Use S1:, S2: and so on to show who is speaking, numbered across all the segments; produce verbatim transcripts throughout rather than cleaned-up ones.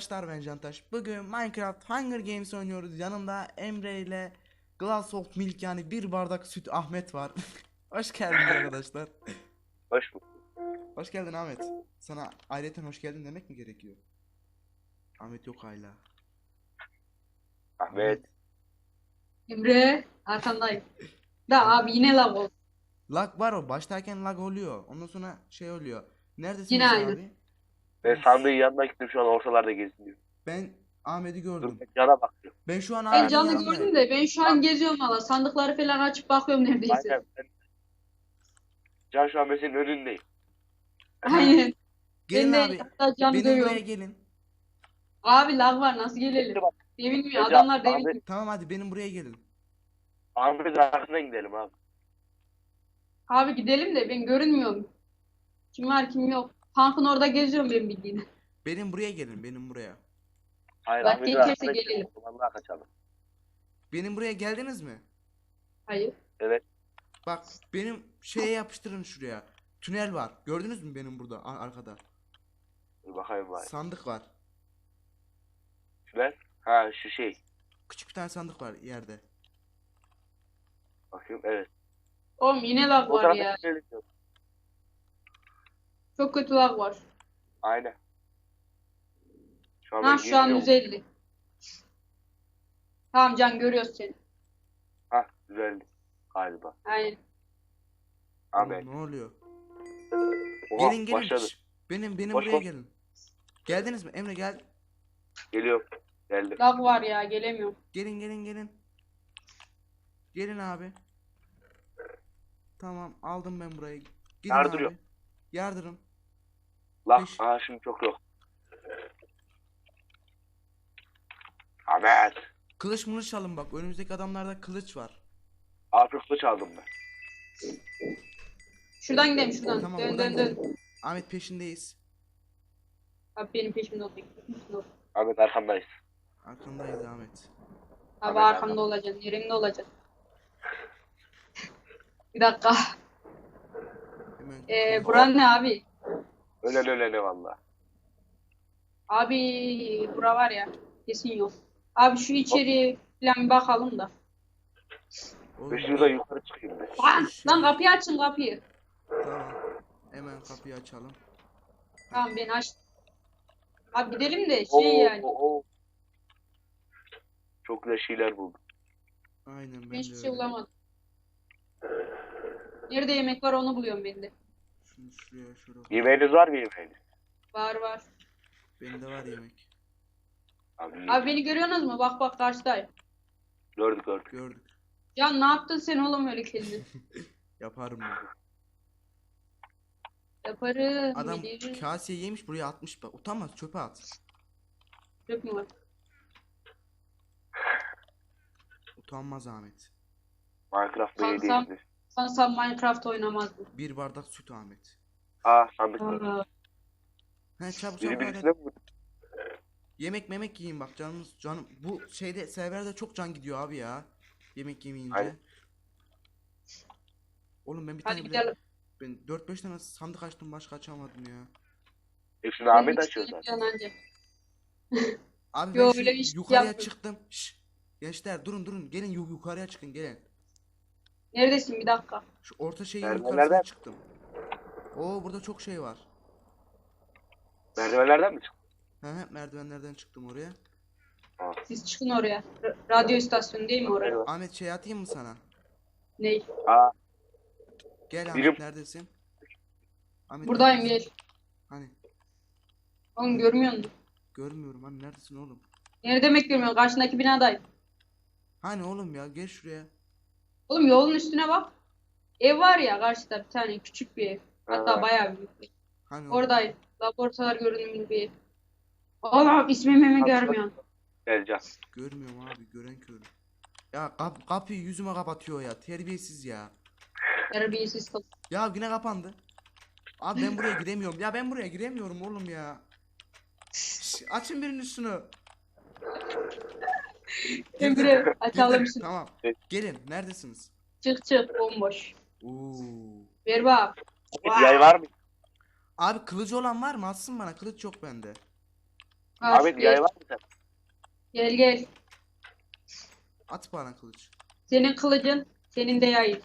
S1: arkadaşlar, ben Cantaş. Bugün Minecraft Hunger Games oynuyoruz. Yanımda Emre ile Glass of Milk, yani bir bardak süt Ahmet var. Hoş geldiniz arkadaşlar.
S2: Hoş bulduk.
S1: Hoş geldin Ahmet. Sana ayrıca hoş geldin demek mi gerekiyor? Ahmet yok hala.
S2: Ahmet.
S3: Emre arkandayım. Da abi yine lag oldu.
S1: Lag var, o başlarken lag oluyor. Ondan sonra şey oluyor. Neredesiniz
S3: Yine aynı.
S1: abi?
S2: Ben sandığın yanına gittim, şu an ortalarda geziniyor.
S1: Ben Ahmet'i
S2: Dur,
S1: gördüm.
S2: ben cana bakıyorum.
S1: Ben şu an
S3: Ben
S1: Ahmet'in
S3: canlı
S1: yanındayım.
S3: gördüm de ben şu an geziyorum valla. Sandıkları falan açıp bakıyorum neredeyse.
S2: Aynen ben. Can şu an ben senin önündeyim.
S3: Aynen.
S1: Gelin
S3: Ben de
S1: abi.
S3: hatta canlı
S1: Benim buraya
S3: görüyorum.
S1: gelin.
S3: Abi lag var nasıl gelelim?
S2: Bak,
S3: Devinmiyor
S2: Hocam,
S3: adamlar
S2: abi-
S3: devinmiyor.
S1: Tamam, hadi benim buraya gelin.
S2: Ahmet'in arkasından gidelim abi.
S3: Abi gidelim de ben görünmüyorum. Kim var kim yok. Tankın orada geziyorum ben bildiğin.
S1: Benim buraya gelin, benim buraya.
S2: Hayır,
S3: Bak,
S2: Ahmet'in
S3: gelirse
S2: arkasından
S3: gelelim.
S2: gidelim. Vallahi kaçalım.
S1: Benim buraya geldiniz mi?
S3: Hayır.
S2: Evet.
S1: Bak, benim şeye yapıştırın şuraya. Tünel var. Gördünüz mü benim burada ar- arkada?
S2: Dur bakayım bari.
S1: Sandık var.
S2: Şuraya. Ha şu şey.
S1: Küçük bir tane sandık var yerde.
S2: Bakayım, evet.
S3: Oğlum yine lag
S2: O
S3: var
S2: tarafa
S3: ya.
S2: gidelim.
S3: Çok kötü lag var.
S2: Aynen. Şu an
S3: Ha
S2: ben
S3: şu an
S2: geziyorum.
S3: yüz elli. Tamam Can görüyoruz seni.
S2: Ha düzeldi. Galiba.
S3: Aynen.
S2: Ahmet.
S1: Ne oluyor?
S2: Oha,
S1: Gelin gelin.
S2: başladı.
S1: Şş, Benim benim
S2: Koş,
S1: buraya
S2: koş.
S1: gelin. Geldiniz mi? Emre gel.
S2: Geliyorum. Geldim.
S3: Lag var ya gelemiyorum.
S1: Gelin gelin gelin. Gelin abi. Tamam, aldım ben burayı. Gidin
S2: Yardırıyor.
S1: abi. Yardırın.
S2: La.
S1: Beş.
S2: Aha şimdi çok yok. Ahmet.
S1: Kılıç mılıç alın bak. Önümüzdeki adamlarda kılıç var.
S2: Abi kılıç aldım ben.
S3: Şuradan gidelim şuradan.
S1: Tamam,
S3: dön
S1: buradan
S3: dön dön.
S1: gidelim. Ahmet peşindeyiz.
S3: Abi benim peşimde olacak. Peşimde ol.
S2: Ahmet arkandayız.
S1: Arkandayız Ahmet.
S3: Abi
S2: Ahmet,
S3: arkamda
S2: Ahmet.
S3: olacaksın. Yerimde olacaksın. Bir dakika.
S1: Hemen.
S3: Ee, buran ne abi?
S2: Ölen ölene valla.
S3: Abi bura var ya. Kesin yok. Abi şu içeri falan bir bakalım da.
S1: Oğlum,
S2: Ben şurada yukarı çıkayım ben.
S3: Lan,
S1: Şey-
S3: lan kapıyı açın kapıyı.
S1: Tamam. Hemen kapıyı açalım.
S3: Tamam ben açtım. Abi gidelim de
S2: Oo,
S3: şey yani.
S2: oo, oo. Çok güzel şeyler buldum.
S1: Aynen, ben
S3: Ben
S1: de
S3: hiçbir şey
S1: öyle.
S3: bulamadım. Nerede yemek var onu buluyorum ben de.
S1: Şunu şuraya şuraya.
S2: Yemeğiniz var mı yemeğiniz?
S3: Var var.
S1: Bende var yemek.
S2: Abi,
S3: Abi beni görüyorsunuz mu? Bak bak karşıdayım.
S2: gördük gördük.
S1: Gördük.
S3: Can ne yaptın sen oğlum öyle kendin?
S1: Yaparım ben.
S3: Yaparım.
S1: Adam
S3: bilirim.
S1: kaseye yemiş, buraya atmış bak. Utanmaz, çöpe at.
S3: Yok mu var?
S1: Utanmaz Ahmet.
S2: Minecraft
S3: Kalsam-
S2: belediyesiniz.
S3: Sanırsam Minecraft oynamazdım.
S1: Bir bardak süt Ahmet.
S2: Aa sandık var.
S3: Aa,
S1: He, çabuk
S2: Biri
S1: çabuk
S2: birisine
S1: hadi.
S2: mi vurdu?
S1: Yemek memek yiyin bak, canınız canım. Bu şeyde, serverde çok can gidiyor abi ya. Yemek yemeyince.
S2: Aynen.
S1: Oğlum ben bir
S3: hadi
S1: tane bile,
S3: gidelim.
S1: ben dört beş tane sandık açtım, başka açamadım ya.
S2: Hepsini Ahmet
S3: Benim
S2: açıyor
S3: için
S2: zaten.
S3: falan anca.
S1: Abi
S3: Yo,
S1: ben şu
S3: öyle bir şey
S1: yukarıya
S3: yapmadım.
S1: çıktım. Şşş. Gençler durun durun, gelin yu- yukarıya çıkın, gelin.
S3: Neredesin bir dakika.
S1: Şu orta şeyin
S2: Nereden,
S1: yukarısına
S2: nereden?
S1: çıktım. Oo, burada çok şey var.
S2: Merdivenlerden mi çıktın?
S1: He he, merdivenlerden çıktım oraya.
S3: Siz çıkın oraya. R- radyo istasyonu değil mi oraya?
S2: Merdiven.
S1: Ahmet, şey atayım mı sana?
S3: Ney?
S2: Aa
S1: Gel Ahmet,
S2: Birim.
S1: neredesin? Ahmet,
S3: Buradayım
S1: neredesin?
S3: gel.
S1: Hani
S3: Oğlum görmüyor musun?
S1: görmüyorum, hani neredesin oğlum?
S3: Ne demek görmüyorsun? Karşındaki binadayım.
S1: Hani oğlum ya, gel şuraya.
S3: Oğlum yolun üstüne bak. Ev var ya karşıda bir tane küçük bir ev. Hatta
S2: Ha.
S3: bayağı büyük bir ev.
S1: Hani oğlum?
S3: Oradayım. Laboratuvar görünümlü bir ev. Oğlum ismimi mi görmüyorsun?
S2: gel Can.
S1: Görmüyorum abi, gören kör. Ya kap kapıyı yüzüme kapatıyor ya, terbiyesiz ya.
S3: Terbiyesiz kız.
S1: Ya yine kapandı. Abi ben buraya giremiyorum. Ya ben buraya giremiyorum oğlum ya. Şş, açın birinin üstünü. Girdim.
S3: Emre açalım
S1: Girdim.
S3: şunu.
S1: Tamam.
S2: Evet.
S1: Gelin, neredesiniz?
S3: Çık çık bomboş.
S1: Oo.
S3: Ver bak.
S2: Bir yay var mı?
S1: Abi kılıcı olan var mı? Atsın bana. Kılıç yok bende.
S3: Var,
S2: Ahmet
S3: gel.
S2: yay var mı sen?
S3: Gel gel.
S1: At bana kılıç.
S3: Senin kılıcın, senin de yayın.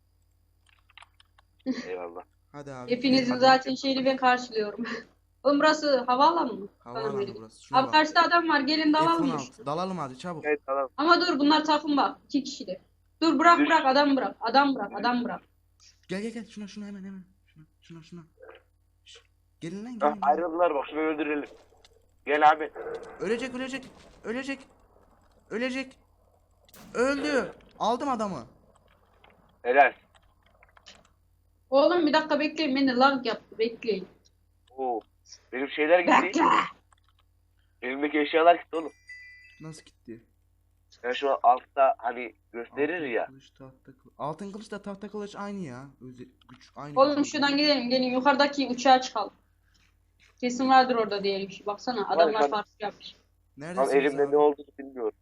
S2: Eyvallah.
S1: Hadi abi.
S3: Hepinizin
S1: gidelim.
S3: zaten şeyini ben karşılıyorum. Oğlum burası havaalanı mı? Tamam,
S1: Havaalanı
S3: öyle.
S1: burası. Şuna
S3: Abi
S1: bak.
S3: karşıda adam var, gelin dalalım mı?
S1: F on altı. Dalalım hadi çabuk.
S2: Evet tamam.
S3: Ama dur, bunlar takım bak. İki kişiler. Dur bırak
S2: Düş.
S3: bırak, adam bırak. Adam bırak, adam bırak.
S1: Gel gel gel. Şuna şuna hemen hemen. Şuna şuna şuna. Şş, gelin lan
S2: Hah,
S1: gelin. gelin.
S2: ayrıldılar bak şunu öldürelim. Gel abi.
S1: Ölecek ölecek. Ölecek. Ölecek. Öldü. Aldım adamı.
S2: Helal.
S3: Oğlum bir dakika bekleyin, beni lag yaptı, bekleyin.
S2: Oo. Benim şeyler gitti.
S3: Bekle.
S2: Elimdeki eşyalar gitti oğlum.
S1: Nasıl gitti?
S2: Yani şu altta hani gösterir
S1: Altın
S2: ya.
S1: kılıç, tahta kılıç. Altın kılıç da tahta kılıç aynı ya. Öze, güç aynı.
S3: Oğlum
S1: güç.
S3: şuradan gidelim, gelin yukarıdaki uçağa çıkalım. Kesin vardır orada diyelim ki. Baksana adamlar
S2: Var,
S3: farklı yapmış.
S2: Ama
S1: Neredesiniz
S2: elimde
S1: abi?
S2: ne olduğunu bilmiyorum.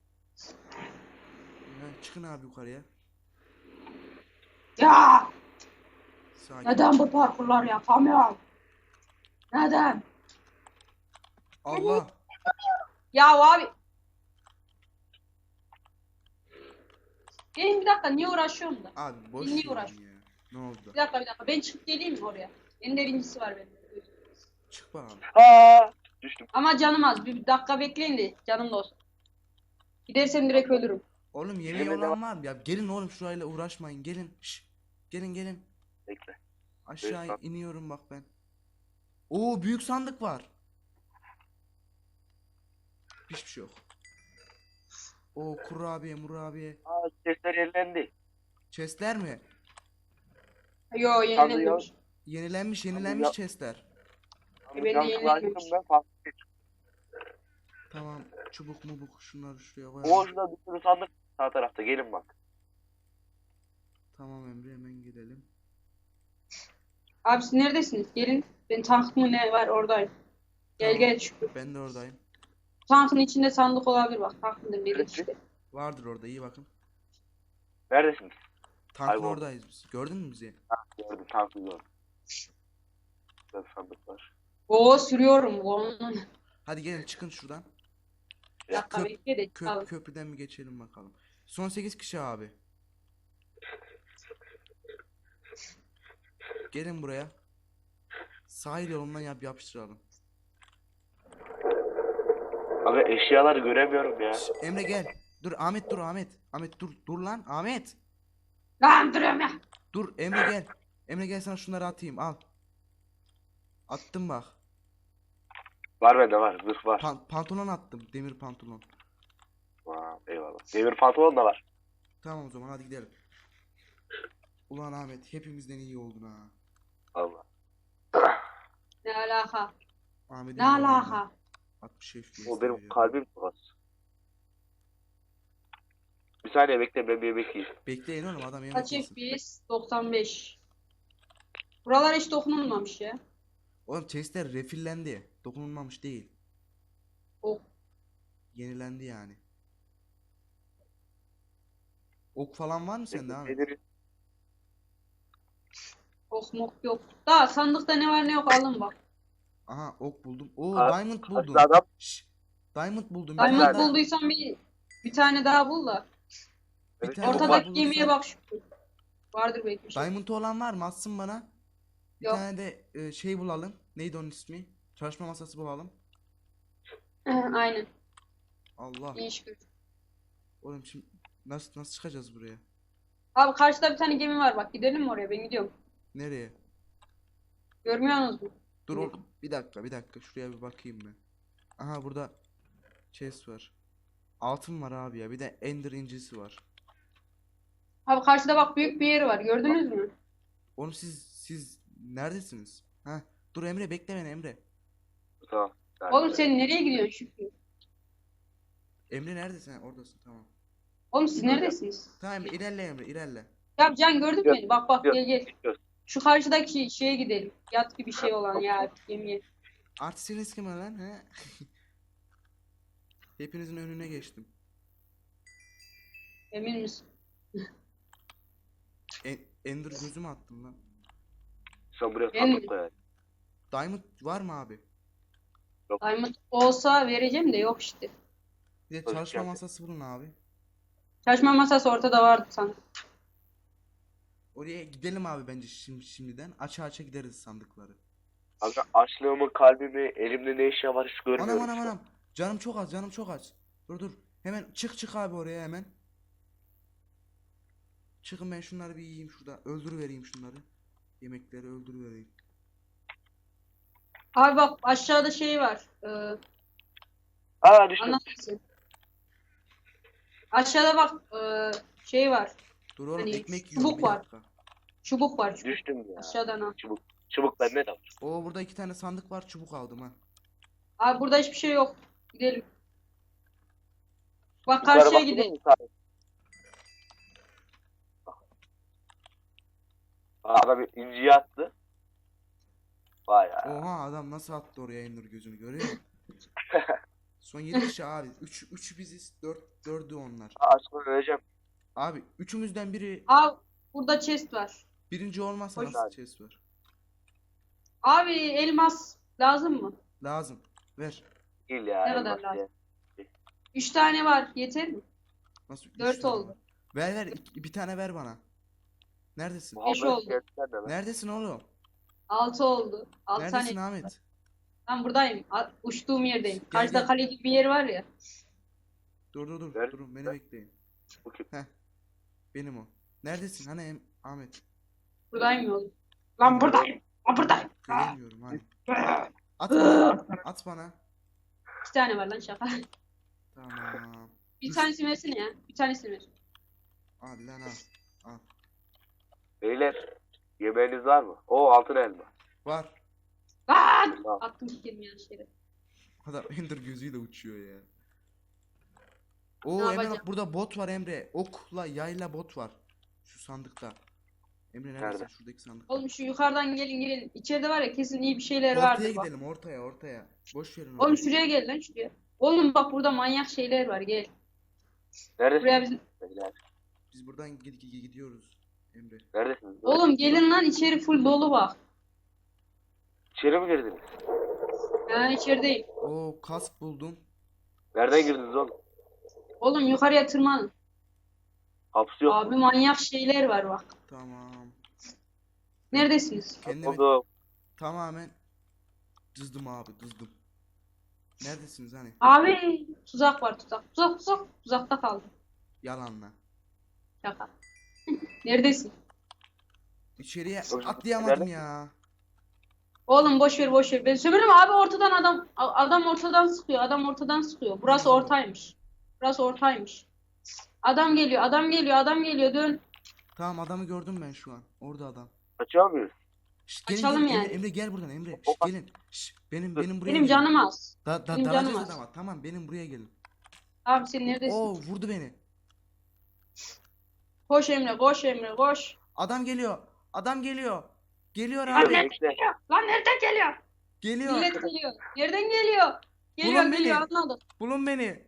S1: Ya, çıkın abi yukarıya.
S3: Ya
S1: Sakin.
S3: neden bu parkurlar yapamıyorum? Neden?
S1: Allah.
S3: Ya abi. Gelin bir dakika, niye uğraşıyorum da?
S1: Abi boş
S3: Niye
S1: verin
S3: uğraş?
S1: ya. Ne oldu?
S3: Bir dakika bir dakika, ben çıkıp geleyim mi oraya? En birincisi var benim.
S1: Çık bakalım.
S2: Ha düştüm.
S3: Ama canım az, bir dakika bekleyin de canım da olsun. Gidersem direkt ölürüm.
S1: Oğlum yemeği
S2: Elimde
S1: olan var mı? Ya gelin oğlum şurayla uğraşmayın. Gelin. Şş. Gelin gelin.
S2: Bekle.
S1: Aşağı
S2: Evet,
S1: iniyorum bak ben. Oo büyük sandık var. Hiçbir şey yok. Oo kurabiye murabiye.
S2: Aa sesler yenilendi.
S1: Chestler mi?
S3: Yo
S2: Sandığı
S3: yenilenmemiş.
S1: Yenilenmiş
S2: ya-
S1: yenilenmiş chestler.
S3: Ben de
S2: Can
S3: yenilenmemiş.
S2: kulağım ben farklı.
S1: Tamam çubuk mubuk şunları şuraya
S2: O
S1: koyalım.
S2: şurada bir sürü sandık sağ tarafta gelin bak.
S1: Tamam Emre hemen gidelim.
S3: Abi siz neredesiniz? Gelin. Ben tank mı ne var oradayım. Gel
S1: Tamam.
S3: gel Şükrü.
S1: Ben de oradayım.
S3: Tankın içinde sandık olabilir bak. Tankın biri
S2: Evet.
S3: işte.
S1: Vardır orada iyi bakın.
S2: Neredesiniz?
S1: Tankın
S2: Kayboldu.
S1: oradayız biz. Gördün mü bizi?
S2: Gördüm tankı gördüm. Burada sandık var.
S3: Oo sürüyorum. Onun.
S1: Hadi gelin çıkın şuradan.
S3: Bir dakika
S1: Köp-
S3: bekle de
S1: Köp
S3: çıkalım.
S1: köprüden mi geçelim bakalım. Son sekiz kişi abi. Gelin buraya. Sahil yolundan yap yapıştıralım.
S2: Abi eşyaları göremiyorum ya.
S1: Şş, Emre gel. Dur Ahmet dur Ahmet. Ahmet dur dur lan Ahmet.
S3: Lan duruyorum ya.
S1: Dur Emre gel. Emre gel sana şunları atayım al. Attım bak.
S2: Var bende var. Zırh var.
S1: Pan- pantolon attım. Demir pantolon.
S2: Aa, eyvallah. Demir pantolon da var.
S1: Tamam o zaman hadi gidelim. Ulan Ahmet hepimizden iyi oldun ha.
S2: Allah.
S3: Ne alaka?
S1: Ahmet'in
S3: Ne alaka?
S1: altmış F P S
S2: O benim
S1: veriyor.
S2: kalbim tuhaf. Bir saniye bekle ben bir yemek yiyeyim.
S1: Bekleyin oğlum adam yemek
S3: Kaç
S1: yesin.
S3: F P S? doksan beş. Buralar hiç dokunulmamış ya.
S1: Oğlum chestler refillendi. Dokunulmamış değil.
S3: Ok.
S1: Yenilendi yani. Ok falan var mı sende Ahmet?
S2: Nedir?
S3: Ok mok yok. Daha sandıkta ne var ne yok alın bak.
S1: Aha ok buldum. Oo
S2: Aa,
S1: diamond buldum.
S2: Karşıda adam.
S1: Şşş. Diamond buldum. Bir
S3: Diamond
S1: tane daha-
S3: bulduysan bir bir tane daha bul da.
S1: Bir
S2: Evet,
S1: tane
S2: çok
S1: daha
S3: Ortadaki
S1: bulursam-
S3: gemiye bak şu. Vardır belki bir şey.
S1: Diamond olan var mı? Atsın bana. Bir
S3: Yok.
S1: tane de e, şey bulalım. Neydi onun ismi? Çalışma masası bulalım.
S3: Aynen.
S1: Allah.
S3: İyi iş görür.
S1: Oğlum şimdi nasıl nasıl çıkacağız buraya?
S3: Abi karşıda bir tane gemi var bak. Gidelim mi oraya? Ben gidiyorum.
S1: Nereye?
S3: Görmüyorsunuz mu?
S1: Dur oğlum. Bir dakika bir dakika. Şuraya bir bakayım ben. Aha burada chest var. Altın var abi ya. Bir de ender incisi var.
S3: Abi karşıda bak büyük bir yer var. Gördünüz mü?
S1: Oğlum siz siz neredesiniz? Ha? Dur Emre bekle beni Emre.
S2: Tamam.
S3: Oğlum sen nereye gidiyorsun Şükrü?
S1: Emre neredesin? Ha, oradasın tamam.
S3: Oğlum siz neredesiniz?
S1: Tamam ilerle Emre ilerle.
S3: Ya Can gördün mü
S2: Yok,
S3: beni? Bak bak
S2: yok.
S3: gel gel.
S2: Yok.
S3: Şu karşıdaki şeye gidelim. Yat gibi bir şey olan ya gemiye.
S1: Artistiniz kim lan he? Hepinizin önüne geçtim.
S3: Emin misin?
S1: E- Ender gözümü attım lan.
S2: Sen buraya
S3: Ben-
S2: sandık koy.
S1: Diamond var mı abi?
S2: Yok.
S3: Diamond olsa vereceğim de yok işte.
S1: Bir de
S2: Hoş
S1: çalışma
S2: geldin.
S1: masası bulun abi.
S3: Çalışma masası ortada vardı sanırım.
S1: Oraya gidelim abi bence şimdi şimdiden. Aça aça gideriz sandıkları.
S2: Kanka açlığımı, kalbimi, elimde ne eşya var hiç
S1: Anam
S2: görmüyorum
S1: anam
S2: şu an.
S1: anam. Canım çok az, canım çok az. Dur dur. Hemen çık çık abi oraya hemen. Çıkın, ben şunları bir yiyeyim şurada. Öldürüvereyim şunları. Yemekleri öldürüvereyim.
S3: Abi bak aşağıda şey var. Ee,
S2: Aa düştüm.
S3: anlatırsın. Aşağıda bak ee, şey var.
S1: Dur oğlum,
S3: Hani
S1: ekmek
S3: çubuk
S1: yiyorum bir
S3: var.
S1: dakika.
S3: Çubuk var çubuk.
S2: Düştüm ya.
S3: Aşağıdan al.
S2: Çubuk. Çubuk bende de var.
S1: Oo, burada iki tane sandık var, çubuk aldım ha.
S3: Abi burada hiçbir şey yok. Gidelim. Bak
S2: Yukarı
S3: karşıya
S2: baktın
S3: gidelim.
S2: mı yukarı? Aa, adam inciyi attı. Vay ya.
S1: Oha, adam nasıl attı oraya Ender gözünü, görüyor musun? Son yedi kişi abi. üç üç biziz. dört dördü onlar.
S2: Aa, açma öleceğim.
S1: Abi üçümüzden biri
S3: Abi burada chest var.
S1: birinci olmazsa
S3: Hoş
S1: nasıl
S2: abi.
S1: chest var?
S3: Abi elmas lazım mı?
S1: Lazım. Ver.
S2: Değil ya.
S3: Ne kadar
S2: elmas
S3: lazım?
S2: ya.
S3: Üç tane var. Yeter mi?
S1: Nasıl üç
S3: Dört
S1: tane
S3: oldu.
S1: var? Ver ver, iki- bir tane ver bana. Neredesin?
S3: Beş
S2: Muhammed
S3: oldu.
S2: gerçekten de lan.
S1: Neredesin oğlum?
S3: Altı oldu. Altı
S1: Neredesin
S3: tane.
S1: Ahmet?
S3: Ben buradayım. A- Uçtuğum yerdeyim.
S1: Gel,
S3: Karşıda
S1: gel.
S3: kale gibi bir yer var ya.
S1: Dur dur dur.
S2: Ver,
S1: Durun, beni
S2: ver.
S1: bekleyin.
S2: Bu kim?
S1: Heh. Benim o. Neredesin hani em- Ahmet?
S3: Buradayım ya oğlum. Lan buradayım. Lan buradayım.
S1: Göremiyorum hani. At bana. At bana.
S3: İki tane var lan şaka.
S1: Tamam.
S3: Bir
S1: Üç-
S3: tanesini versene ya. Bir tanesini ver.
S1: Al lan al. Al.
S2: Beyler. Yemeğiniz var mı? Oo altın elma.
S1: Var.
S3: Lan!
S2: Tamam.
S3: Attım kelime yanlış yere.
S1: Adam Ender gözüyle uçuyor ya.
S3: Ne
S1: Oo Emre
S3: yapacağım?
S1: bak, burada bot var Emre. Okla yayla bot var. Şu sandıkta. Emre neredesin?
S2: Nerede?
S1: Şuradaki sandıkta.
S3: Oğlum şu yukarıdan gelin gelin. İçeride var ya kesin iyi bir şeyler vardır
S1: Ortaya
S3: bak.
S1: gidelim, ortaya ortaya. Boş verin
S3: Oğlum
S1: orayı.
S3: şuraya gel lan şuraya. Oğlum bak burada manyak şeyler var gel. Buraya
S2: Neredesiniz?
S3: bizim...
S2: Beyler.
S1: Biz buradan gid- gid- gidiyoruz Emre.
S2: Neredesiniz?
S3: Oğlum gelin lan içeri full dolu bak.
S2: İçeri mi girdiniz?
S3: Ha içerideyim.
S1: Oo, kask buldum.
S2: Nereden girdiniz oğlum?
S3: Oğlum yukarıya tırmanın.
S2: Hapsi yok
S3: Abi
S2: mu?
S3: manyak şeyler var bak.
S1: Tamam.
S3: Neredesiniz?
S1: Kendimi
S2: Oğlum.
S1: tamamen dızdım abi, dızdım. Neredesiniz hani?
S3: Abi tuzak var tuzak. Tuzak tuzak. Tuzakta kaldım.
S1: Yalanla.
S3: Şaka. Neredesin?
S1: İçeriye
S2: Oğlum,
S1: atlayamadım
S2: nerede?
S1: ya.
S3: Oğlum boş ver boş ver. Ben sömürüm abi ortadan adam a- adam ortadan sıkıyor. Adam ortadan sıkıyor. Burası ortaymış. Burası ortaymış. Adam geliyor. Adam geliyor. Adam geliyor. Dön.
S1: Tamam, adamı gördüm ben şu an. Orada adam.
S2: Kaçıyor muyuz?
S1: Şşt, gelin,
S3: Açalım
S1: gelin.
S3: yani.
S1: Emre, Emre gel buradan Emre. Şşt,
S2: Opa.
S1: gelin. Şşt, benim
S2: Dur.
S1: benim buraya
S3: Benim
S1: gelin.
S3: canım az.
S1: Da, da,
S3: benim
S1: dalacağız
S3: canım az.
S1: adama. Tamam, benim buraya gelin.
S3: Abi sen neredesin?
S1: Oo, vurdu beni.
S3: Koş Emre. Koş Emre. Koş.
S1: Adam geliyor. Adam geliyor. Geliyor
S3: Lan
S1: abi.
S3: nereden
S2: Bekle.
S3: geliyor? Lan nereden geliyor?
S1: Geliyor.
S3: Millet geliyor. Nereden geliyor? Geliyor
S1: Bulun
S3: geliyor
S1: beni.
S3: anladım.
S1: Bulun beni.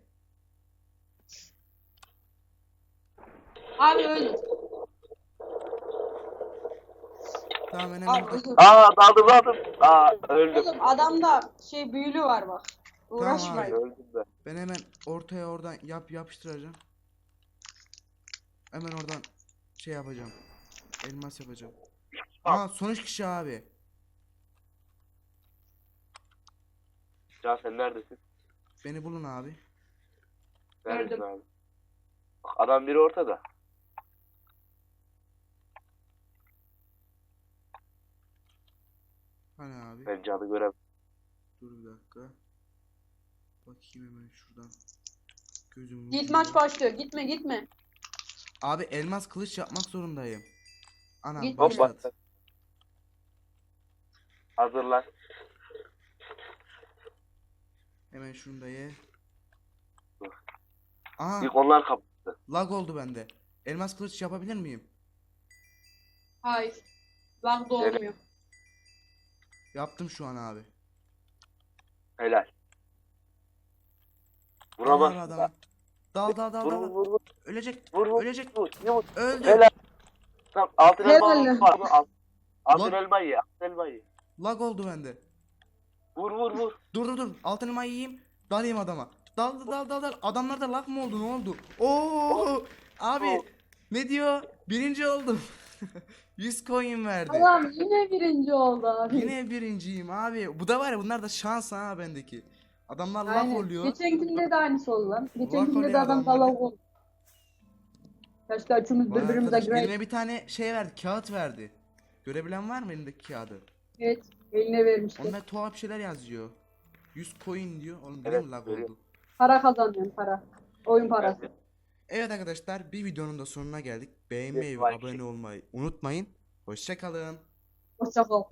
S3: Abi öldü.
S1: Tamam, ben
S3: Abi
S1: hemen
S3: öldü.
S2: Aa daldım daldım. Aa öldüm.
S3: Oğlum adamda şey büyülü var bak. Uğraşmayın.
S2: Öldüm ben.
S1: ben hemen ortaya oradan yap yapıştıracağım. Hemen oradan şey yapacağım. Elmas yapacağım. Aa, son üç kişi abi.
S2: Can sen neredesin?
S1: Beni bulun abi.
S2: Neredesin
S3: Gördüm.
S2: abi? Bak, adam biri ortada.
S1: Hani abi?
S2: Ben canı görem.
S1: Dur bir dakika. Bakayım hemen şuradan. Gözüm
S3: Git maç başlıyor. Gitme gitme.
S1: Abi elmas kılıç yapmak zorundayım. Anam
S3: Git.
S2: Hop
S1: başlat.
S2: bak. Hazırlan.
S1: Hemen şunu da ye.
S2: Dur.
S1: Aha,
S2: İlk onlar kapıştı.
S1: lag oldu bende. Elmas kılıç yapabilir miyim?
S3: Hayır. Lag da
S2: Evet.
S3: olmuyor.
S1: Yaptım şu an abi.
S2: Helal.
S1: Dal
S2: Vuramaz.
S1: abi adama. Dal dal dal
S2: Vur
S1: dal.
S2: vur vur vur.
S1: Ölecek.
S2: Vur vur.
S1: Ölecek.
S2: Vur. Vur.
S1: Öldü.
S2: Helal. Tamam altın
S3: Helal
S2: elma
S3: lan.
S2: var mı? Al- Altın
S1: Lan.
S2: elma ye. Altın elma ye.
S1: Lag oldu bende.
S2: Vur vur vur.
S1: Dur dur dur. Altın elmayı yiyeyim. Dalayım adama. Dal dal dal dal. Adamlarda lag mı oldu? Ne oldu? Oo! Abi
S2: Oh.
S1: ne diyor? Birinci oldum. yüz coin verdi.
S3: Adam yine birinci oldu abi.
S1: Yine birinciyim abi. Bu da var ya, bunlar da şans ha bendeki. Adamlar lag
S3: Aynen.
S1: oluyor.
S3: Geçenkinde de aynısı oldu lan. Geçenkinde
S1: oluyor
S3: de adam
S1: adamlar.
S3: dalak oldu. Keşke üçümüz
S1: Vay
S3: birbirimize
S1: arkadaş,
S3: great.
S1: elime bir tane şey verdi, kağıt verdi. Görebilen var mı elindeki kağıdı?
S3: Evet. Eline vermişti.
S1: Onda tuhaf bir şeyler yazıyor. yüz coin diyor. Oğlum yine
S2: Evet,
S1: mi lag
S2: görüyorum.
S1: oldu?
S3: Para kazanıyorum para. Oyun parası.
S1: Evet arkadaşlar, bir videonun da sonuna geldik. Beğenmeyi ve
S2: Like.
S1: abone olmayı unutmayın. Hoşça kalın.
S3: Hoşça kal.